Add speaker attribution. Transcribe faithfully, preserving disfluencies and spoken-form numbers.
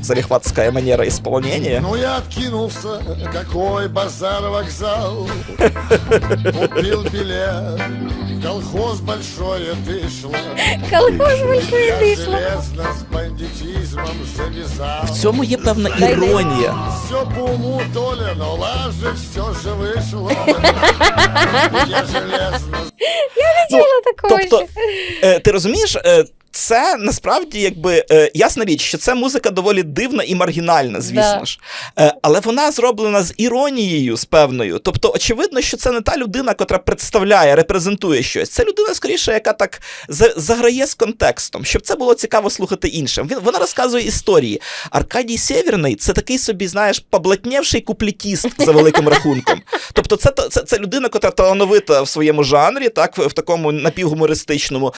Speaker 1: залихватская манера исполнения.
Speaker 2: Ну я откинулся, какой базар-вокзал. Купил билет, в колхоз большое дышло.
Speaker 3: Колхоз большое
Speaker 2: Я
Speaker 3: дышло.
Speaker 2: железно з бандитизмом завязал.
Speaker 1: В цьому є певна іронія.
Speaker 2: Все по уму, Толя, но лаже все же вышло. Я железно.
Speaker 1: Ну,
Speaker 3: Чого такого
Speaker 1: тобто,
Speaker 3: ще?
Speaker 1: е, ти розумієш, е, це насправді якби е, ясна річ, що це музика доволі дивна і маргінальна, звісно
Speaker 3: Да.
Speaker 1: ж. Е, але вона зроблена з іронією, з певною. Тобто, очевидно, що це не та людина, котра представляє, репрезентує щось. Це людина, скоріше, яка так за- заграє з контекстом, щоб це було цікаво слухати іншим. Він, вона розказує історії. Аркадій Сєвєрний – це такий собі, знаєш, поблатнєвший куплетіст за великим рахунком. Тобто це, це, це людина, котра талановита в своєму жанрі, так, в, в такому напівгумористичному,